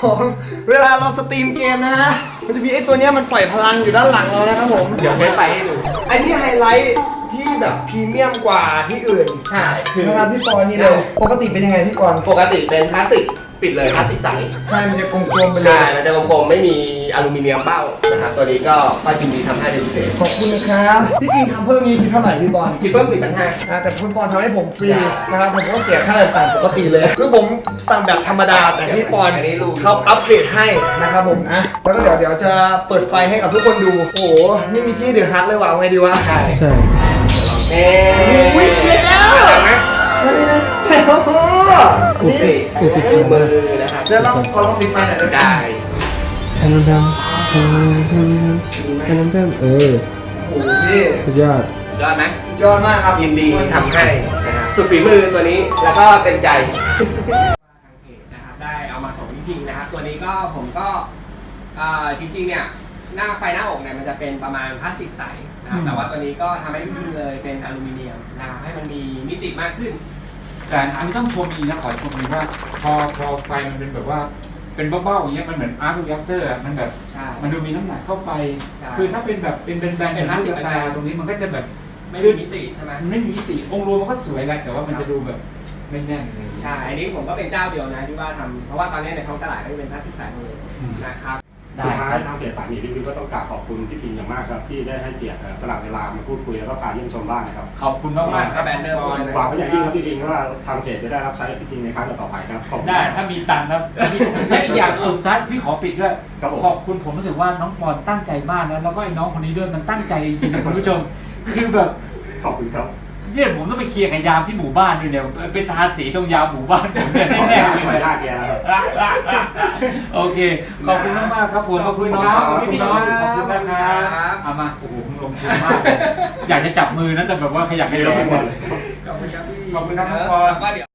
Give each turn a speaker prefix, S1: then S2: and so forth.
S1: ผมเวลาเราสตรีมเกมนะฮะมันจะมีไอ้ตัวเนี้ยมันปล่อยพลังอยู่ด้านหลังเรานะครับผม
S2: เดี๋ยวใช้ไฟให้ดู
S1: ไอ้ที่ไฮไลท์ที่แบบพรีเมียมกว่าที่อื่น
S2: ใช่คือ
S1: นะครับพี่ปอนนี่เลยปกติเป็นยังไงพี่ปอน
S2: ปกติเป็นพลาสติกปิดเลยพลาสติกใส
S1: ใช่มันจะกลมๆไปเล
S2: ใช่
S1: ย
S2: มันจะกลมๆไม่มีอลูมิเนียมเบ้านะครับตัวนี้ก็ป้ายพิมพ์ดีทำให้เป็นพิเศษ
S1: ขอบคุณนะครับที่จริงทำเพิ่มนี้คิดเท่าไหร่พี่ปอน
S2: คิดเพิ่ม4,500
S1: แต่คุณปอนทำให้ผมฟรีนะครับผมก็เสียค่าแบบสั่งปกติเลยคือผมสั่งแบบธรรมดาแต่พี่ปอน
S2: อันนี้รู้
S1: เขาอัปเกรดให้นะครับผมนะแล้วก็เดี๋ยวจะเปิดไฟให้กับทุกคนดูโอ้โหนี่มีที่เดือดฮัทเลยว่ะเอาไงดีวะ
S2: ใช่
S3: ใช่
S2: เอ๊
S1: โอ้ยเชียร์แล้ว
S2: เห็นไหม
S1: โอ้โห
S2: นี่
S1: นี่
S2: คือมือนะครับ
S1: เดี๋ยวเราขอลองปิดไฟหน่อยได้ไหม
S2: ได้
S3: แทนน้ำแทนน้ำเออ
S1: โอ้โหพี่
S3: สุดยอด
S2: ยอดไหม
S1: สุดยอดมากครับ
S2: ยินดีทำให้นะครับสุดฝีมือตัวนี้แล้วก็เต็มใจทางเพจนะครับได้เอามาส่งจริงๆนะครับ ตัวนี้ก็ผมก็จริงๆเนี่ยหน้าไฟหน้าอกเนี่ยมันจะเป็นประมาณพลาสติกใสนะครับแต่ว่าตัวนี้ก็ทำให้พิมพ์เลยเป็นอลูมิเนียมนะครับให้มันมีมิติมากขึ้น
S4: แต่อันนี้ต้องชมอีกนะขอชมอีกว่าพอไฟมันเป็นแบบว่าเป็นเบ้าๆอย่างเงี้ยมันเหมือนอาร์ตรีแอคเตอร์มันแบบ
S2: ใช่
S4: มันดูมีน้ำหนักเข้าไป
S2: ใช่
S4: คือถ้าเป็นแบบเป็นแบนๆ
S2: เป็นพลาสติก
S4: ตาตรงนี้มันก็จะแบบ
S2: ไม่มีมิติใช่ไหม
S4: มันไม่มีมิติองค์รวมมันก็สวยแหละแต่ว่ามันจะดูแบบไม่แน่นเลย
S2: ใช่ อันนี้ผมก็เป็นเจ้าเดียวนะที่ว่าทำเพราะว่าตอนนี้ในท้องตลาดก็จะเป็นพลาสติกใสหมดเลยนะครับ
S5: สุดท้ายทางเพจสายหมีรีวิวก็ต้องกราบขอบคุณพี่พิมพ์อย่างมากครับที่ได้ให้เกียรติสละเวลามาพูดคุยแล้วก็พาเยี่ยมชมบ้านนะครับ
S4: ขอบคุณมากๆครับ
S2: แบรนด์เดิมเลย
S5: หวังเป็นอย่างยิ่งครับพี่พิมพ์ว่าทางเพจจะได้รับใช้พี่พิมพ์ในครั้งต่อไปครับขอบคุณ
S4: ได้ถ้ามีตังค์นะและอีกอย่างสุดท้ายพี่ขอปิดด้วย
S5: ครับผม
S4: ขอบคุณผมรู้สึกว่าน้องปอนตั้งใจมากนะแล้วก็ไอ้น้องคนนี้ด้วยมันตั้งใจจริงๆนะคุณผู้ชมคือแบบ
S5: ขอบคุณครับ
S4: เนี่ยผมต้องไปเคลียร์กับยามที่หมู่บ้านด้วยเนี่ยไปทาสีตรงยามหมู่บ้านผมเนี่ยแน่ๆเลย
S5: ขออนุญาตแกแล้วครับ
S4: โอเค ขอบคุณมากๆครับผมขอบคุณน้อง
S2: ขอบคุณ
S4: น้อง
S2: ครับ
S4: ขอบคุณนะครับเอามาโอ้โหคุณลงทุนมากเลยอยากจะจับมือนะแต่แบบว่าขยับไม่ได้
S5: เดี๋ยวไม่หมดเลย
S2: ขอบคุณครับพี่
S4: ขอบคุณครับน้องปอน
S2: แล้วก็เดี๋ยว